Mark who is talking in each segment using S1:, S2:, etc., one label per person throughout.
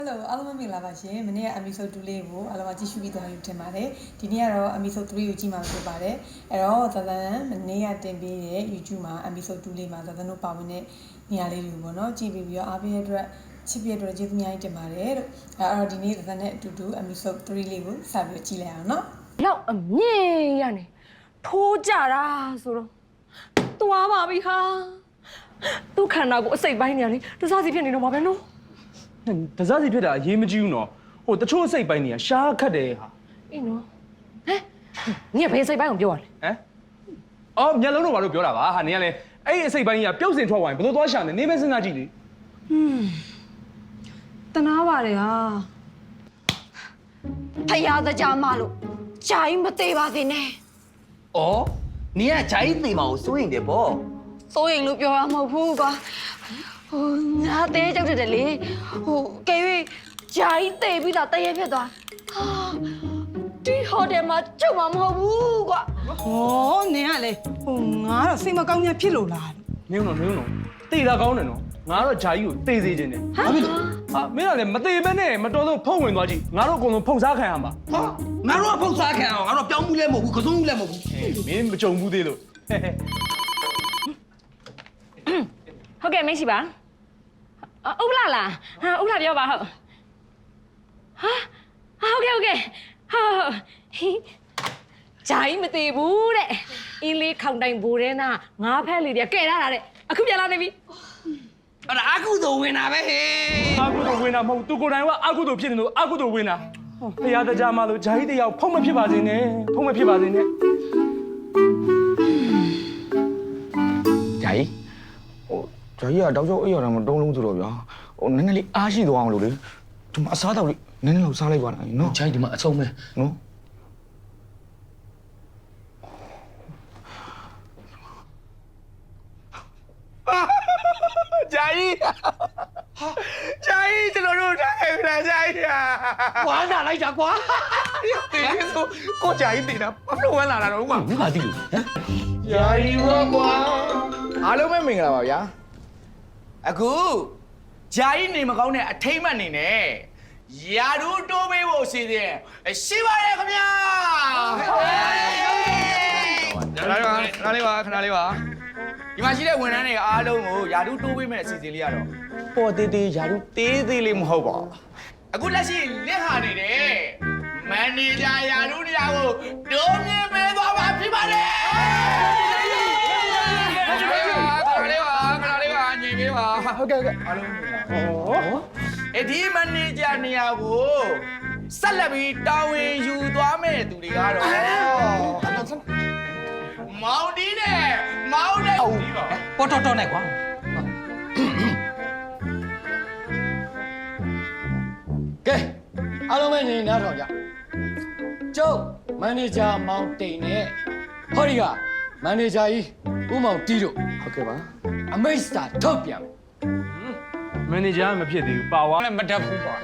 S1: Hello အားလုံးမင်္ဂလာပါရှင်။မနေ့က episode 2လေးကိုအားလုံးကြည့်ရှုပြီးသွားပြီထင်ပါတယ်။ဒီနေ့ကတော့ episode 3ကိုကြည့်မှာဖြစ်ပါတယ်။အဲ့တော့သသန်မနေ့ကတင်ပေးတဲ့ YouTube မှာ episode 2လေးမှာသသန်တို့ပါဝင်တဲ့နေရာလေးတွေကိုပေါ့နော်ကြည့်ပြီးတော့အားပေးတဲ့အတွက်ချစ်ပြတဲ့အတွက်ကျေးဇူးများကြီးတင်ပါတယ်လို့။အဲ့တော့ဒီနေ့သသန်နဲ့အတူတူ episode 3လေးကိုစပြီးကြည့်လိုက်အောင်နော်။
S2: လောက်အမြင့်ရနေထိုးကြတာဆိုတော့သွားပါပြီဟာသူ့ခန္ဓာကိုအစိတ်ပိုင်းနေရလေတစားစီဖြစ်နေတော့မှာပဲနော်
S3: တစားစီဖြစ်တာအရေးမကြီးဘူးနော်ဟိုတချို့စိတ်ပိုင်းတွေကရှားခတ်တယ်ဟာ
S2: အေးနော်ဟဲ့နင်ကဘယ်စိတ်ပိုင်းကိုပြောရလဲ
S3: ဟမ်အော်မျက်လုံးတော့ဘာလို့ပြောတာပါဟာနင်ကလည်းအဲ့ဒီအစိတ်ပိုင်းကြီးကပြုတ်စင်ထွက်သွားရင်ဘယ်လိုသွားရှာနေနေမဲစဉ်းစားကြည့်လေ
S2: တနာပါတယ်ဟာဖယားတကြမလို့ဂျိုင်းမသေးပါစေနဲ့
S4: 哦，你啊，家里地毛收人的不？
S2: စိုးရင်လို့ပြောရမဟုတ်ဘူးကွာဟိုငါတဲကြောက်တယ်လေဟိုကဲ၍ဂျိုင်းသေးပြီးတော့တရေဖြစ်သွားဟာဒီဟိုတယ်မှာကျုပ်မှာမဟုတ်ဘူးကွာ
S5: 哦，你啊嘞，哦，我了谁么搞你皮肉啦？
S3: နင်းတော့တေးတာကောင်းတယ်နော်ငါတော့ဂျာကြီးကိုတေးစေခြင်းတယ်ဟာမင်းကလည်းမတေးဘဲနဲ့မတော်တော့ဖုံဝင်သွားကြည့်ငါတို့အကုန်လုံးဖုံစားခံရမှာ
S4: 哈，俺说碰啥看啊？俺说表木来蘑菇，可种来蘑菇。
S3: မင်းမကြုံဘူးသေးလို့
S2: ဟုတ်ကဲ့မရှိပါဥပလာလားဟာဥပလာပြောပါဟုတ်ဟာဟုတ်ကဲ့ဟုတ်ဂျိုင်းမသေးဘူးတဲ့အင်းလေးခေါင်တိုင်ဘူတဲ့နာငါးဖက်လေးတွေကဲရတာတဲ့အခုပြန်လာနေပြီ
S4: အဲ့ဒါအကုသိုလ်ဝင်တာပဲဟေး
S3: အကုသိုလ်ဝင်တာမဟုတ်သူကိုယ်တိုင်ကအကုသိုလ်ဖြစ်နေလို့အကုသိုလ်ဝင်တာဖရာတကြားမလို့ဂျာကြီးတယောက်ဖုံးမဖြစ်ပါစေနဲ့ဖုံးမဖြစ်ပါစေနဲ့
S6: ဂျာကြီးဟိုဂျာကြီးကတောက်ချောက်အိပ်ရတာမတုံးလုံးဆိုတော့ဗျာဟိုနည်းနည်းလေးအားရှိသွားအောင်လို့လေဒီမှာအစားတောက်လေးနည်းနည်းလောက်စားလိုက်ပါလားနော်
S4: ဂျိုင်းဒီမှာအဆုံးပဲ
S6: နော်
S4: ဂျာကြီးဂျာကြီးကျွန်တော်တို့ထားခဲ့ပြန်ဂျာကြီးဝမ်းသာလိုက်တာကွာတေးဆိုကိုဂျာကြီးတေးတာဘာလို့ဝမ်းလာတာတော့ကွာမင်းမသိလို့ဟမ်ဂျာကြီးရောကွာ
S6: အားလုံးပဲမင်္ဂလာပါဗျာ
S4: အခုဂျာကြီးနေမကောင်းတဲ့အထိမ့်မှတ်နေနဲ့ယာဒူတိုးပေးဖို့စီစဉ်ရှိပါရဲ့ခင်ဗျာခဏလေးပါဒီမှာရှိတဲ့ဝန်ထမ်းတွေအားလုံးကိုယာဒူတိုးပေးမဲ့အစီအစဉ်လေးရတော့
S6: ပေါ်သေးသေးယာရုသေးသေးလေးမဟုတ်ပါဘူး
S4: အခုလက်ရှိလက်ဟာနေတဲ့မန်နေဂျာယာဒူတရားကိုတိုးမြင့်ပေးသွားမှာဖြစ်ပါတယ်ခဏလေးပါညီပေးပါဟုတ်ကဲ့အားလုံးဒီမန်နေဂျာနေရာကိုဆက်လက်ပြီးတာဝန်ယူသွားမဲ့သူတွေကတော့မောင်ဒီနဲ့မောင်နဲ့ပေါ်တော်နဲ့ကွာ
S7: ကဲအားလုံးပဲနေနားထောင်ကြကျုပ်မန်နေဂျာမောင်တိန်နဲ့ဟောဒီကမန်နေဂျာကြီးဦးမောင်တီးတို့
S6: ဟုတ်ကဲ့ပါ
S7: အမိတ်စတာထုတ်ပြန်မယ်
S3: မန်နေဂျာမဖြစ်သေးဘူးပါဝါလည်းမတတ်ဘူးပါ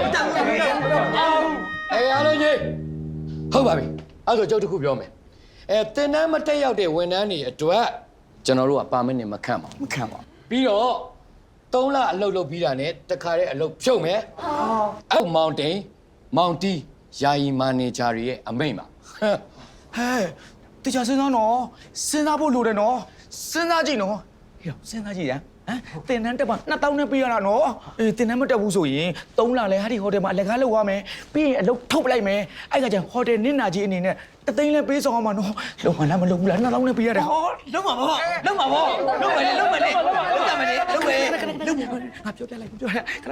S7: အားလုံးကြီးဟုတ်ပါပြီအဲ့တော့ကျုပ်တစ်ခုပြောမယ်တင်တန်းမတက်ရောက်တဲ့ဝန်ထမ်းတွေအတွက်ကျွန်တော်တို့ကပါမစ်နဲ့မခန့်ပါဘူး
S6: မခံပါ
S7: ပြီးတော့3လအလုပ်လုပ်ပြီးတာနဲ့တခါတည်းအလုပ်ဖြုတ်မယ်အဲ့မောင်တိန်မောင်တီးယာယီမန်နေဂျာတွေရဲ့အမိတ်ပါ
S6: ဟဲ့တခြားစဉ်းစားနော်စဉ်းစားဖို့လိုတယ်နော်စဉ်းစားကြည့်နော်ဟေ့စဉ်းစားကြည့်ရဟမ်တင်တန်းတက်ပါ2000နဲ့ပေးရတာနော်အေးတင်တန်းမတက်ဘူးဆိုရင်3လလဲဟာဒီဟိုတယ်မှာလက်ကားလုပ်ရမယ်ပြီးရင်အလုပ်ထုတ်ပလိုက်မယ်အဲ့ကကျဟိုတယ်နင့်နာကြီးအနေနဲ့တသိန်းလဲပေးဆောင်အောင်မနော်လုံမလားမလုံဘူးလား2000နဲ့ပေးရတယ်ဟော
S4: လုံးပါဘောလုံးမယ်လေလုံးမယ်လေ
S6: ငါပြောပြလိုက်ခဏ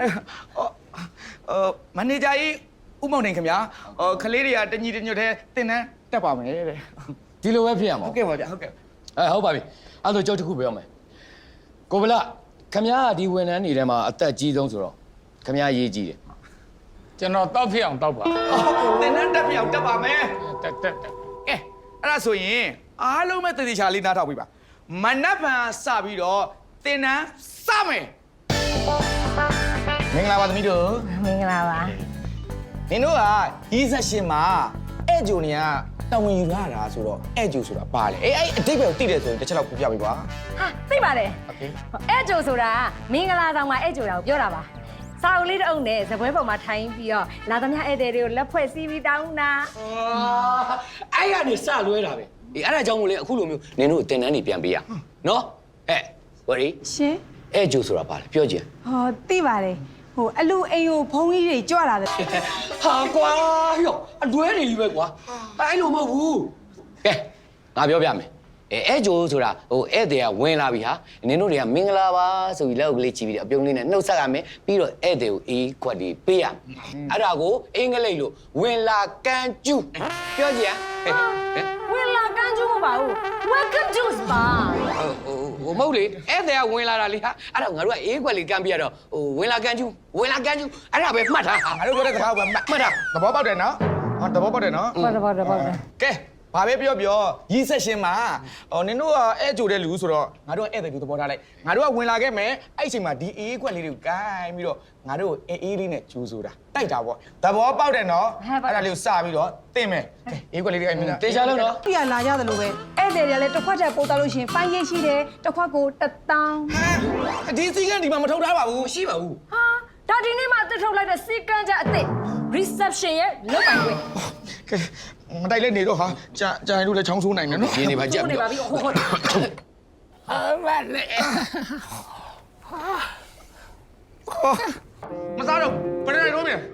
S6: မန်နေဂျာကြီးဦးမောင်နေခင်ဗျာခလေးတွေကတညီတညွတ်တဲ့တင်တန်းတက်ပါမယ်တဲ့
S7: ဒီလိုပဲဖြစ်ရမှာ
S6: ဟုတ်ကဲ့ပါဗျာဟုတ်ကဲ့
S7: ဟုတ်ပါပြီအဲ့တော့ကျုပ်တစ်ခုပြောမယ်ကိုဗလာခမ ्या ဒီဝန်ထမ်းတွေထဲမှာအသက်ကြီးဆုံးဆိုတော့ခမ ्या ရေးကြည့်တယ်
S8: ကျွန်တော်တောက်ဖြစ်အောင်တောက်ပါ
S6: တင်တန်းတက်ပြောင်တက်ပါမယ်
S8: တက်
S6: ကဲအဲ့ဒါဆိုရင်အားလုံးပဲတည်တည်ချာလေးနားထောင်ပြီပါမနက်ဖြန်စပြီးတော့တင်တန်းစမယ်မင်္ဂလာပါသမီးတို့
S2: မင်္ဂလာပါ
S6: နင်တို့ကရီးဆက်ရှင်မှာအဲ့ဂျိုနေကတာဝန်ယူရတာဆိုတော့အဲ့ဂျိုဆိုတာပါလေအဲ့အတိတ်ပဲကိုသိတယ်ဆိုရင်တစ်ချက်လောက်ပြပြပေးပါ
S2: ဟာသိပါတယ်
S6: โอเค
S2: အဲ့ဂျိုဆိုတာမင်္ဂလာဆောင်မှာအဲ့ဂျိုတာကိုပြောတာပါ
S9: စာအုပ်လေးတစ်အုပ်နဲ့ဇပွဲပေါ်မှာထိုင်ပြီးတော့လာသမျှဧည့်သည်တွေကိုလက်ဖွဲ့စည်းပြီးတောင်းတာ
S7: အဲ့ကနေစလွဲတာပဲအေးအဲ့ဒါကြောင့်မို့လေအခုလိုမျိုးနင်တို့တင်တန်းနေပြန်ပေးရနော်ဝရီ
S5: ရှင်
S7: အဲ့ကျိုးဆိုတာပါလေပြောကြည့်
S5: ဟောသိပါတယ်ဟိုအလူအိမ်ကိုဖုံးကြီးတွေကြွလာတယ်
S7: ဟာကွာဟေ့အလွဲနေကြီးပဲကွာအဲ့လိုမဟုတ်ဘူးကဲငါပြောပြမယ်အဲ့ကျိုးဆိုတာဟိုဧည့်သည်ကဝင်လာပြီဟာနင်တို့တွေကမင်္ဂလာပါဆိုပြီးလက်အုပ်ကလေးချီပြီးအပြုံးလေးနဲ့နှုတ်ဆက်ရမယ်ပြီးတော့ဧည့်သည်ကိုအေးခွက်ဒီပေးရအဲ့ဒါကိုအင်္ဂလိပ်လိုဝင်လာကန်ကျူးပြောကြည့်ဟ
S9: ဝင်လာကန်းကျူးမပါဘူး welcome to spa
S7: ိုမဟုတ်လေဧည့်သည်ကဝင်လာတာလေဟာအဲ့ဒါငါတို့ကအေးခွက်လေးကန်ပြရတော့ဟိုဝင်လာကန်ကျူးအဲ့ဒါပဲမှတ်ထား
S6: ငါတို့ပြောတဲ့စကားကိုမှတ်တာသဘောပေါက်တယ်နော်ဟောသဘောပေါက်တယ်နော်
S9: ဟုတ်တယ်
S6: ကဲဘာပဲပြောရီးဆက်ရှင်မှာနင်တို့ကအဲ့ကြိုတဲ့လူဆိုတော့ငါတို့ကဧည့်သည်လူသဘောထားလိုက်ငါတို့ကဝင်လာခဲ့မယ်အဲ့အချိန်မှာဒီအေးခွက်လေးတွေကိုကိုင်းပြီးတော့ငါတို့အေးလေးနဲ့ကျူးဆိုတာတိုက်တာပေါ့သဘောပေါက်တယ်နော်အဲ့ဒါလေးကိုစပြီးတော့တင်မယ်ကဲအေးခွက်လေးတွေအဲ့မြင်လား
S7: တေချာလို့နော်
S5: ပြရလာရတယ်လို့ပဲဧည့်သည်တွေလည်းတစ်ခွက်တည်းပို့တော့လို့ရှင်ပိုင်းရိပ်ရှိတယ်တစ်ခွက်ကို1000
S6: ဒီစီကဒီမှာမထုတ်ထားပါဘူး
S7: မရှိပါဘူး
S9: ဟာဒါဒီနေ့မှတစ်ထုတ်လိုက်တဲ့စီကန်းချက်အစ်စ် reception ရဲ့လုတ်ပိုင်ခွင့်
S6: ကဲမတိုက်လက်နေတော့ဟာကြာရင်တို့လည်းချောင်းဆိုးနိုင်တယ်နော်
S7: ရင်းနေပါကြက်
S9: ဟုတ်နေပါပြီဟုတ်
S6: မစားတော့ဘယ်နဲ့တော့မြန်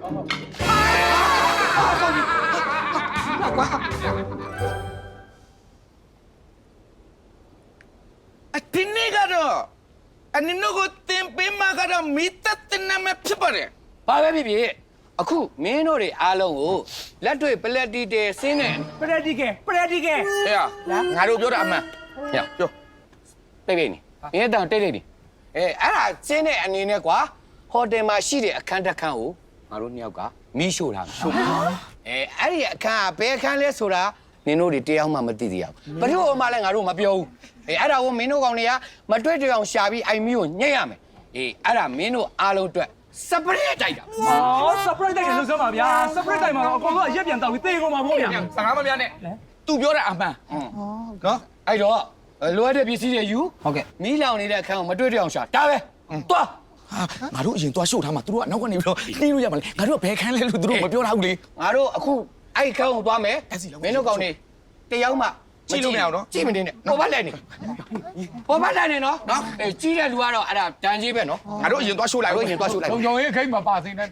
S6: ဒီနေ့ကတော့အနင်တို့ကိုတင်ပေးမှာကတော့မိသက်တင်နေမှာဖြစ်ပါတယ်
S7: ဘာပဲဖြစ်ဖြစ်အခုမင်းတို့တွေအားလုံးကိုလက်တွေ့ပလက်တီတယ်ဆင်းနေ
S3: ပရက်တီကယ်
S6: ဟဲ့ငါတို့ပြောတာအမှန်ဟဲ့ပြော
S7: တိတ်နေမင်းတောင်တိတ်နေအဲ့ဒါဆင်းတဲ့အနေနဲ့ကွာဟိုတယ်မှာရှိတဲ့အခန်းတစ်ခန်းကိုငါတို့နှစ်ယောက်ကမီးရှို့ထားမယ်အဲ့ဒီအခန်းကဘယ်အခန်းလဲဆိုတာမင်းတို့တွေတရားမှမသိသေးဘူးဘယ်လိုမှလည်းငါတို့မပြောဘူးအဲ့ဒါကိုမင်းတို့ကောင်တွေကမတွေ့တွေ့အောင်ရှာပြီးအိုင်မီကိုညှိရမယ်အဲ့ဒါမင်းတို့အားလုံးအတွက်စပရက်တိုက်တာ
S3: အော် surprise တိုက်တယ်လို့ဆိုပါဗျာ surprise တိုက်မှာတော့အကောင်ကအရက်ပြန်တောက်ပြီးတေးကုန်မှာပေါ့ဗျာ
S6: စကားမများနဲ့ तू ပြောတာအမှန်နော်
S7: အဲ့တော့လိုအပ်တဲ့ပစ္စည်းတွေယူဟုတ်ကဲ့မီးလောင်နေတဲ့အခန်းကိုမတွေ့တွေ့အောင်ရှာဒါပဲသွား
S6: ငါတို့အရင်သွားရှို့ထားမှာသူတို့ကနောက်ကနေပြီးတော့နှီးလို့ရမှာလေငါတို့ကဘယ်ခန်းလဲလို့သူတို့မပြောထားဘူးလေ
S7: ငါတို့အခုအဲ့ခန်းကိုသွားမယ်မင်းတို့ကောင်တွေတယောက်မှ
S6: ကြည့်လို့မရအောင်နော်
S7: ကြည့်မနေနဲ့ပေါ်ပါလိုက်နေပေါ်ပါလိုက်နေနော်အေးကြီးတဲ့လူကတော့အဲ့ဒါတန်ကြီးပဲနော်
S6: ငါတို့အရင်သွားရှို့လိုက်
S7: တို့ရင်သွားရှုပ်လိုက်
S8: ုံချုံရေးခိတ်မပါသိနဲ့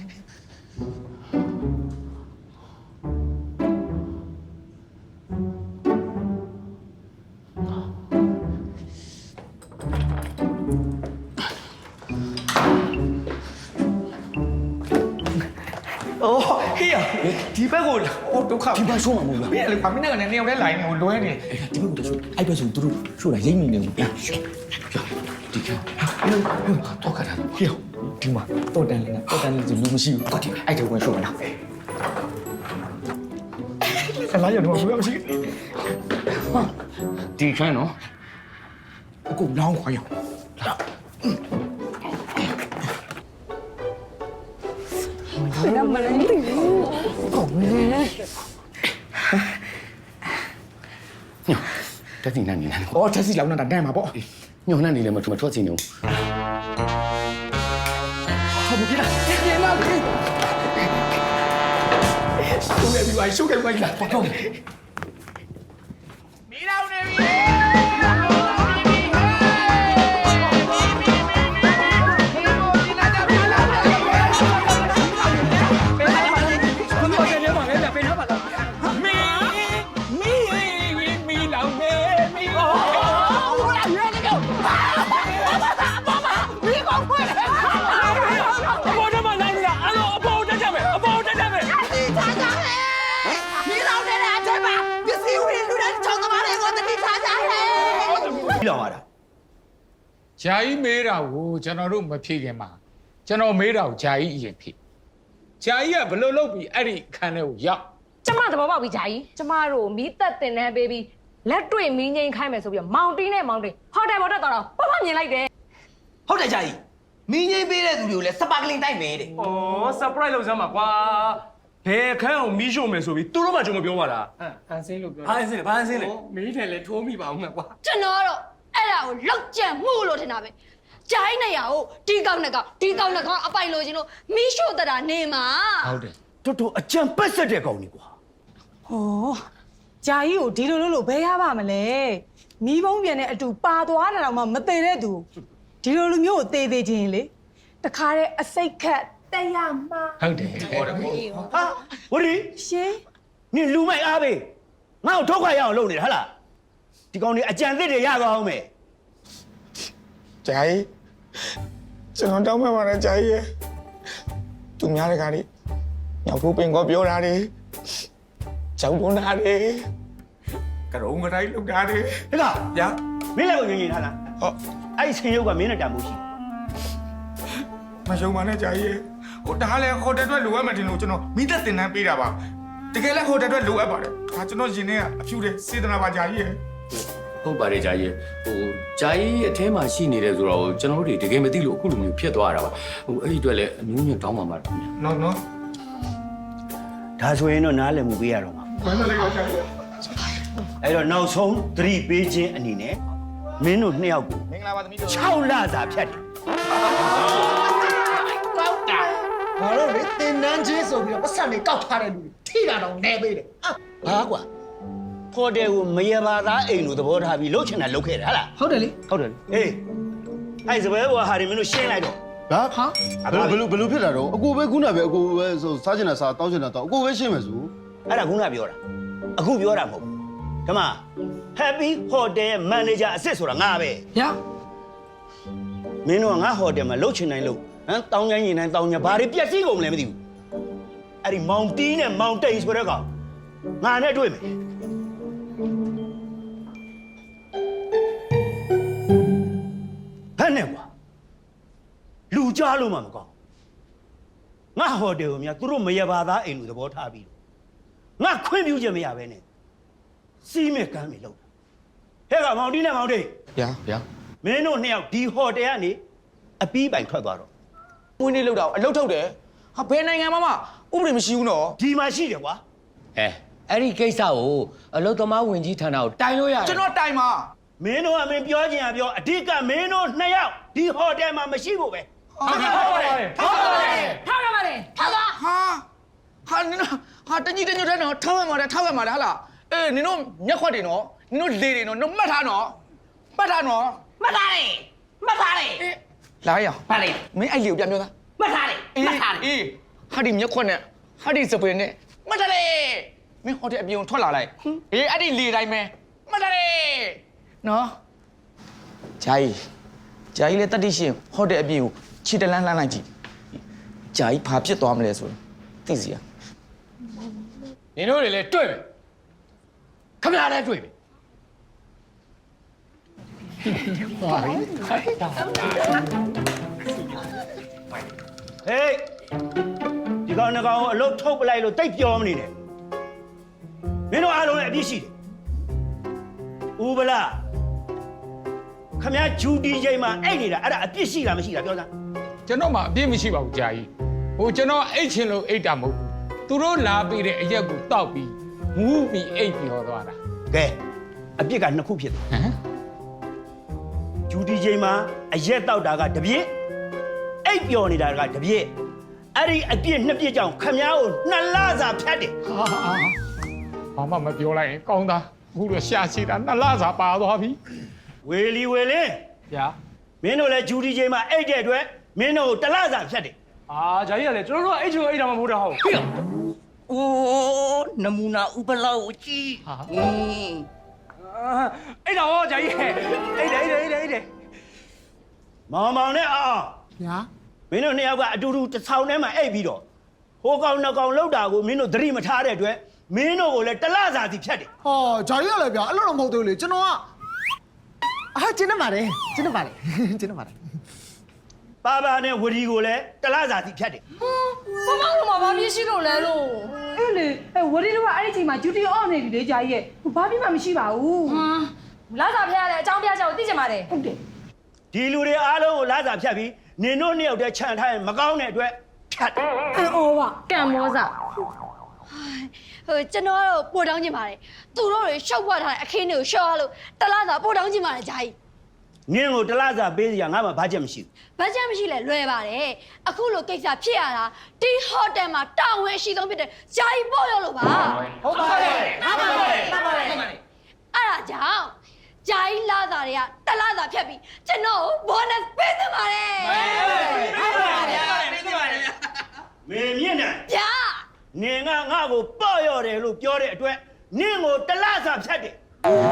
S6: အော်ဟေးဒီဘက်ကိုအော်ဒုက္ခ
S7: ဒီဘက်ဆိုးမှာမဟုတ်ဘူး
S6: မင်းလည်းမင်းနဲ့နေအောင်လဲလိုင်းကိုလွဲနေ
S7: ဒီဘက်ကတော့အဲ့ဘက်ဆိုသူတို့ရှို့တာရိမ့်နေတယ်ဗျာဒီကတော့ခါတာ
S6: ဟေးဒီမှာတော့တန်လေးဆိုလူမရှိဘူးအဲ့ဒါဝင်ရှို့မလားအလားရတော့ဘူးမရှိ
S7: ဒီခန်းနော်
S6: အခုလောင်းခွာရအောင်
S7: တက်စီနေနေ
S6: အော်တက်စီလောင်းနေတာတန်းမှာပေါ့
S7: ညောင်းနေလည်းမထွက်စီနေဘူး
S6: ဟုတ်ပြီလားပြင်လာပြီရှုပ်ရပြီပါရှုပ်ရပြီလားပေါ့မီးလောင်နေပြီလောင်ရတာ
S8: ဂျာကြီးမေးတာကိုကျွန်တော်တို့မဖြေခင်မှာကျွန်တော်မေးတာကိုဂျာကြီးအရင်ဖြေဂျာကြီးကဘယ်လိုလုပ်ပြီးအဲ့ဒီအခန်းထဲကိုရောက်
S9: ကျမသဘောပေါက်ပြီဂျာကြီးကျမတို့မီးသက်တင်တန်းပေးပြီးလက်တွေ့မီးငိမ့်ခိုင်းမယ်ဆိုပြီးမောင်တင်းနဲ့မောင်တင်းဟိုတယ်ပေါ်တက်သွားတော့ပပမြင်လိုက်တယ်
S4: ဟုတ်တယ်ဂျာကြီးမင်းငိမ့်ပေးတဲ့သူတွေကိုလည်းစပါကလင်တိုက်မယ်တဲ့
S3: อ๋อ surprise လုပ်စမ်းပါကွာဘယ်အခန်းအောင်မီးရှို့မယ်ဆိုပြီးသူတို့မှကျွန်တော်ပြောပါလား
S8: အန်စင်းလို့ပြော
S3: ဘာအင်းစင်းလဲဘာအင်းစင်းလဲ
S8: မင်းတယ်လည်းထိုးမိပါအောင်ကွာ
S2: ကျွန်တော်ကတော့အဲ့ဒါကိုလောက်ကြံမှုလို့ထင်တာပဲဂျာကြီးနေရကိုဒီကောင်းနဲ့ကောင်းအပိုင်လိုချင်လို့မီးရှို့တတာနေမှာ
S8: ဟုတ်တယ်
S6: တော်တော်အကြံပတ်ဆက်တဲ့ကောင်ကြီးကွာ
S5: ဟောဂျာကြီးကိုဒီလိုလို့ဘယ်ရပါမလဲမီးပုံးပြန်တဲ့အတူပါသွားတာတော့မှမသေးတဲ့သူဒီလိုလူမျိုးကိုသေသေးချင်းလေတခါတဲ့အစိတ်ခတ်တက်ရမှာ
S8: ဟုတ်တယ်
S6: ဟာဝရီ
S5: ရှင်
S6: နင်လူမိုက်အားပဲငါ့ကိုထုတ်ခွာရအောင်လုပ်နေတာဟလားဒီကောင်ကြီးအကြံသစ်တွေရသွားအောင်မယ်
S4: ဂျာကြီးကျွန်တော်တောင်းပန်ပါတယ်ဂျာကြီးရဲ့သူများတကားလေးညောင်ဖို့ပင်ကောပြောတာတွေကြောက်တွန်းတာတွေကရုံးကတိုင်းလောက်တာတွေ
S6: ဟဲ့က
S4: ညာ
S6: မင်းလည်းကိုငြိမ်ထားလား
S4: ဟုတ်
S6: အဲ့ဒီဆင်းရုပ်ကမင်းနဲ့တန်မှုရှိ
S4: မရှုံပါနဲ့ဂျာကြီးရဲ့ဟိုဒါလည်းဟိုတယ်အတွက်လိုအပ်မှတင်လို့ကျွန်တော်မိသက်တင်တန်းပေးတာပါတကယ်လည်းဟိုတယ်အတွက်လိုအပ်ပါတယ်ဒါကျွန်တော်ရင်ထဲကအဖြူတဲ့စေတနာပါဂျာကြီးရဲ့
S10: ဟုတ်ပါတယ်ဂျာကြီးဟိုဂျာကြီးအထဲမှာရှိနေတယ်ဆိုတော့ကျွန်တော်တို့တကယ်မသိလို့အခုလိုမျိုးဖြစ်သွားတာပါဟိုအဲ့ဒီအတွက်လည်းအမျိုးမျိုးတောင်းပါမှာခင်ဗျာ
S4: နော်
S6: ဒါဆိုရင်တော့နားလည်မှုပေးရတော့မှာ
S4: ဘယ်လိုလဲဂျာကြီး
S6: အဲ့တော့နောက်ဆုံးသတိပေးခြင်းအနေနဲ့မင်းတို့နှစ်ယောက်ကို
S4: မင်္ဂလာပါသမီးတို့
S6: 6လစာဖြတ်တယ်
S11: ဘာလို့လဲတင်နန်းချင်းဆိုပြီးတော့ပတ်စံတွေကောက်ထားတဲ့လူတွေထိတာတော့နေပေးတယ်
S6: ဘာကွာဟိုတယ်ကိုမရပါသားအိမ်လိုသဘောထားပြီးလှုပ်ချင်တာလှုပ်ခဲ့တယ်ဟလား
S11: ဟုတ်တယ်လေ
S6: ဟုတ်တယ်အေးအဲ့စပယ်ဘောဟာဒီမင်းတို့ရှင်းလိုက်တော့
S12: ဟာဘယ်လိုဖြစ်တာတော့အကိုပဲခုနပဲအကိုပဲဆိုစားချင်တာစားတောင်းချင်တာတောင်းအကိုပဲရှင်းမယ်ဆို
S6: အဲ့ဒါခုနပြောတာအခုပြောတာမဟုတ်ဘူးဓမ္မ Happy Hotel Manager အစ်စ်ဆိုတာငါပဲ
S11: ညာ
S6: မင်းတို့ကငါဟိုတယ်မှာလှုပ်ချင်တိုင်းလှုပ်ဟမ်တောင်းချင်ရင်တိုင်းတောင်းချင်ဘာတွေပြက်စီးကုန်မလဲမသိဘူးအဲ့ဒီမောင်တီးနဲ့မောင်တိန်ဆိုတဲ့ကောင်ငါနဲ့တွေ့မယ်ဟဲ့နဲ့ကွာလူကြားလို့မှမကောင်းငါဟိုတယ်ကိုများသူတို့မရပါသားအိမ်လူသဘောထားပြီးငါခွင့်ပြုချက်မရဘဲနဲ့စီးမဲ့ကမ်းတွေလောက်ဟဲ့ကမောင်တီးနဲ့မောင်တိန်
S4: ဗျာ
S10: ဗျာ
S6: မင်းတို့နှစ်ယောက်ဒီဟိုတယ်ကနေအပီးပိုင်ထွက်သွားတော့
S4: မွေးနေ့လောက်တာအလုပ်ထုတ်တယ်ဟာဘယ်နိုင်ငံမှာမှဥပဒေမရှိဘူးနော်
S6: ဒီမှာရှိတယ်ကွာ
S10: အဲ့ဒီကိစ္စကိုအလုသမားဝင်ကြီးဌာနကိုတိုင်လို့ရတယ်
S4: ကျွန်တော်တိုင်ပါ
S6: မင်းတို့ကမင်းပြောချင်ရပြောအဓိကမင်းတို့နှစ်ယောက်ဒီဟိုတယ်မှာမရှိဖို့ပဲ
S4: ဟုတ်ကဲ့ဟုတ်ပါတယ်
S9: ထားရပါတယ်ထားပါ
S4: ဟာနင်တို့ဟာတကြီးတညွတ်တဲ့နော်ထောက်ရမှာလေထောက်ရမှာလေဟာလားအေးနင်တို့မျက်ခွက်တွေနော်နင်တို့လေတွေနော်နင်မှတ်ထားနော်မှတ်ထားနော်
S9: မှတ်ထားတယ်
S4: လာရအောင်
S9: ဘာလဲ
S4: မင်းအဲ့လေကိုပြန်ပြောသား
S9: မှတ်ထားတယ်
S4: အေးဟာဒီမျက်ခွက်နဲ့ဟာဒီစပင်နဲ့မှတ်ထားလေမင်းဟိုတယ်အပြင်ထွက်လာလိုက်အေးအဲ့ဒီလေတိုင်းပဲမှတ်ထားလေနော်ဂျာကြီးလည်းတတိရှင်ဟိုတယ်အပြင်ကိုခြေတလန်းလှမ်းလိုက်ကြည့်ဂျာကြီးဘာဖြစ်သွားမလဲဆိုတော့သိစီရ
S8: နင်တို့တွေလည်းတွေ့မယ်ခမရလည်းတွေ့မယ်
S6: ဟေးဒီကောင်နှစ်ကောင်ကိုအလုတ်ထုတ်ပလိုက်လို့တိတ်ပြောမနေနဲ့မင်းတို့အားလုံးလည်းအပြစ်ရှိတယ်ဦးဗလာခမရဂျူတီချိန်မှာအဲ့နေတာအဲ့ဒါအပြစ်ရှိတာမရှိတာပြောစမ်း
S8: ကျွန်တော်မှအပြစ်မရှိပါဘူးဂျာကြီးဟိုကျွန်တော်အိတ်ချင်လို့အိတ်တာမဟုတ်ဘူးသူတို့လာပေးတဲ့အရက်ကိုတောက်ပြီးမူးပြီးအိတ်ပြောသွားတာ
S6: ကဲအပြစ်ကနှစ်ခုဖြစ်တယ်
S8: ဟမ်
S6: ဂျူတီချိန်မှာအရက်တောက်တာကတစ်ပြစ်အိပ်ပျော်နေတာကတစ်ပြစ်အဲ့ဒီအပြစ်နှစ်ပြစ်ကြောင့်ခမ ्या ကိုနှစ်လစာဖြတ်တယ်
S8: ဘာမှမပြောလိုက်ရင်ကောင်းသားအခုတော့ရှာရှိတာနှစ်လစာပါသွားပြီ
S6: ဝေလီဝေလင်း
S3: ဗျာ
S6: မင်းတို့လည်းဂျူတီချိန်မှာအိတ်တဲ့အတွက်မင်းတို့ကိုတစ်လစာဖြတ်တယ်
S3: အာဂျာကြီးကလည်းကျွန်တော်တို့ကအိတ်ချင်အိတ်တာမှမဟုတ်တာဟုတ်
S11: ဟေးအိုးနမူနာဥပလောက်ကြီး
S3: အိတ်တာဟောဂျာကြီးအိတ်တယ်
S6: မောင်မောင်နဲ့အောင်
S11: ညာ
S6: မင်းတို့နှစ်ယောက်ကအတူတူတစ်ဆောင်ထဲမှာအိတ်ပြီးတော့ဟိုကောင်နှစ်ကောင်လောက်တာကိုမင်းတို့သတိမထားတဲ့အတွက်မင်းတို့ကိုလည်းတစ်လစာစီဖြတ်တယ်
S11: ဟောဂျာကြီးရလဲဗျာအဲ့လိုတော့မဟုတ်သေးဘူးလေကျွန်တော်ကအာကျင်းနေပါတယ်ကျင်းနေပါတယ်ကျင်းနေပါတယ်
S6: ပါပါနဲ့ဝရီကိုလည်းတစ်လစာစီဖြတ်တယ်
S9: ဘာမှလို့ဘာပြစ်ရှိလို့လဲလို့
S5: အဲ့လေဝရီတို့ကအဲ့ဒီချိန်မှာဂျူတီအော့နေပြီလေဂျာကြီးရဲ့ဘာပြမှမရှိပါဘူး
S9: လာစားဖျားရတဲ့အကြောင်းပြချက်ကိုသိချင်ပါတယ်
S5: ဟုတ်တယ်
S6: ဒီလူတွေအားလုံးကိုလစာဖြတ်ပြီးနင်တို့နှစ်ယောက်တည်းခြံထားရင်မကောင်းတဲ့အတွက်ဖြတ်တယ်
S5: အော်ပါ
S9: ကံမောစာ
S2: ဟိုကျွန်တော်ကတော့ပို့တောင်းချင်ပါတယ်သူတို့တွေရှောက်ဖွက်ထားတဲ့အခင်းတွေကိုရှော့ရလို့တလားစာပို့တောင်းချင်ပါတယ်ဂျာကြီး
S13: နင်းကိုတလားစာပေးစရာငါမှဘာချက်မရှိ
S2: ဘာကြောင့်မရှိလဲလွယ်ပါတယ်အခုလိုကိစ္စဖြစ်ရတာဒီဟိုတယ်မှာတာဝန်ရှိဆုံးဖြစ်တဲ့ဂျာကြီးပေါ့ရောလို့ပါ
S4: ဟုတ်ပါတယ်ဟုတ်ပါတယ်ဟုတ်ပါတယ်
S2: အဲ့ဒါကြောင့်ဂျာကြီးလာစာတွေကတလားစာဖြတ်ပြီးကျွန်တော်ဘောနပ်ပေးသပါတယ်
S4: ဟုတ်ပါတယ်ပေးသိပါတယ်
S13: မေမြင့်တယ်
S2: ဗျာ
S13: နင်းကငါ့ကိုပေါ့ရော့တယ်လို့ပြောတဲ့အတွက်နင်းကိုတလားစာဖြတ်တယ်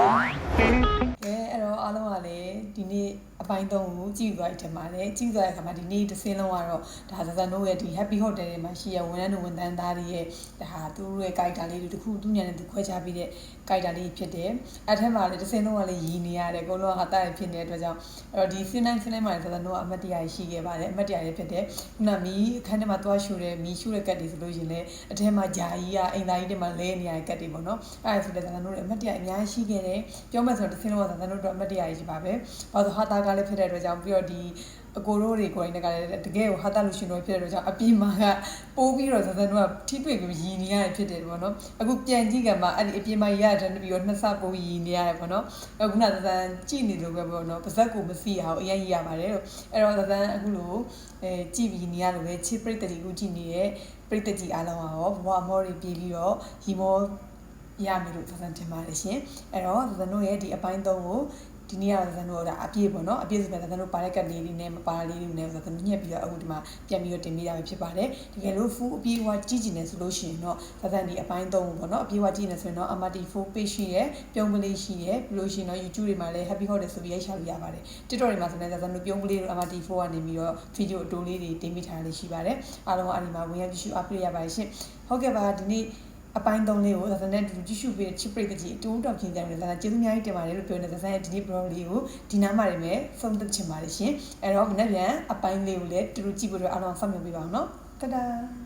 S1: အဲ့တော့အားလုံးကလည်းဒီနေ့အပိုင်း3ကိုကြည့်သွားတယ်မှာလေကြည့်သွားတဲ့အခါမှာဒီနေ့တစ်စင်းလုံးကတော့ဒါဇဇန်တို့ရဲ့ဒီ Happy Hotel တွေမှာရှိရဝန်ထမ်းဝန်ထမ်းသားတွေရဲ့ဒါသူတို့ရဲ့ character လေးတွေတခုသူညနဲ့သူခွဲခြားပြီးတဲ့ character လေးဖြစ်တယ်အဲ့ထက်မှာလည်းတစ်စင်းလုံးကလည်းရည်နေရတယ်ကိုလုံးကဟာတာရဖြစ်နေတဲ့အတွက်ကြောင့်အဲ့တော့ဒီ scene တိုင်းမှာဇဇန်တို့ကအမတ်တရားရှိခဲ့ပါတယ်အမတ်တရားလေးဖြစ်တယ်ခုနမီးအခန်းထဲမှာသွားရှူတယ်မီးရှူတဲ့ကတ်တွေဆိုလို့ရှိရင်လည်းအထဲမှာဂျာကြီးကအိမ်သားကြီးတွေမှာလဲနေရတဲ့ကတ်တွေပေါ့နော်အဲ့ဒါဆိုလည်းဇဇန်တို့လည်းအမတ်တရားအများကြီးရှိခဲ့တယ်ပြောမှဆိုတော့တစ်စင်းလုံးကဇဇန်တို့တော့အမတ်တရားကြီးပါပဲဘာလို့ဟာတာကလည်းဖြစ်တဲ့အတွက်ကြောင့်ပြီးတော့ဒီအကိုတို့တွေကိုယ်တိုင်ကလည်းတကယ်ကိုဟာတာလူရှင်တို့ဖြစ်တဲ့အတွက်ကြောင့်အပြင်မှာကပိုးပြီးတော့ဇဇန်တို့ကထိတွေ့ပြီးရည်နေရတယ်ဖြစ်တယ်ပေါ့နော်အခုပြန်ကြည့်ကြမှာအဲ့ဒီအပြင်မှာရတဲ့ပြီးတော့နှစ်ဆပိုးရည်နေရတယ်ပေါ့နော်အခုနဇဇန်ကြည့်နေလို့ပဲပေါ့နော်ပါဇက်ကိုမစီအောင်အရင်ရည်ရပါတယ်လို့အဲ့တော့ဇဇန်အခုလိုကြည့်ပြီးနေရလို့ပဲချစ်ပရိသတ်တွေကိုကြည့်နေတဲ့ပရိသတ်ကြီးအားလုံးရောဘဝအမောတွေပြေးပြီးတော့ရီမောရမယ်လို့ဇဇန်ထင်ပါတယ်ရှင်အဲ့တော့ဇဇန်တို့ရဲ့ဒီအပိုင်း3ကိုဒီနေ့ကဇန်တို့ကအပြည့်ပေါ့နော်အပြည့်ဆိုပြန်ဇန်တို့ပါရက်ကတ်လေးနဲ့မပါလေးလေးနဲ့ဇန်တို့ညှက်ပြီးတော့အခုဒီမှာပြန်ပြီးတော့တင်ပေးတာပဲဖြစ်ပါတယ်တကယ်လို့ full အပြည့်အဝကြည့်ကျင်နေဆိုလို့ရှိရင်တော့ဇန်ဒီအပိုင်း3ပေါ့နော်အပြည့်အဝကြည့်နေဆိုရင်တော့ MRT4 page ရှိရဲပြုံးကလေးရှိရဲပြီးလို့ရှိရင်တော့ YouTube တွေမှာလည်း Happy Hotel ဆိုပြီးရိုက်ရှာလို့ရပါတယ် TikTok တွေမှာဆိုလည်းဇန်တို့ပြုံးကလေးတို့ MRT4 ကနေပြီးတော့ video အတိုးလေးတွေတင်ပေးထားလေးရှိပါတယ်အားလုံးကအဲ့ဒီမှာဝင်ရောက်ကြည့်ရှု update ရပါတယ်ရှင်ဟုတ်ကဲ့ပါဒီနေ့အပိုင်း3လေးကိုဇာတ်နဲ့တူကြည့်ရှုပေးတဲ့ချစ်ပရိသတ်ကြီးအတူတောက်ချင်းကြတယ်ဇာတ်ကျေးဇူးအများကြီးတင်ပါတယ်လို့ပြောနေတဲ့ဇာတ်ရဲ့ဒီနေ့ blog လေးကိုဒီနားမှာနေမယ်ဆုံးသက်ချင်ပါတယ်ရှင်အဲ့တော့မနေ့ပြန်အပိုင်းလေးကိုလည်းတူကြည့်ဖို့အတွက်အားလုံးဆောင်ရွက်ပေးပါအောင်နော်တဒါ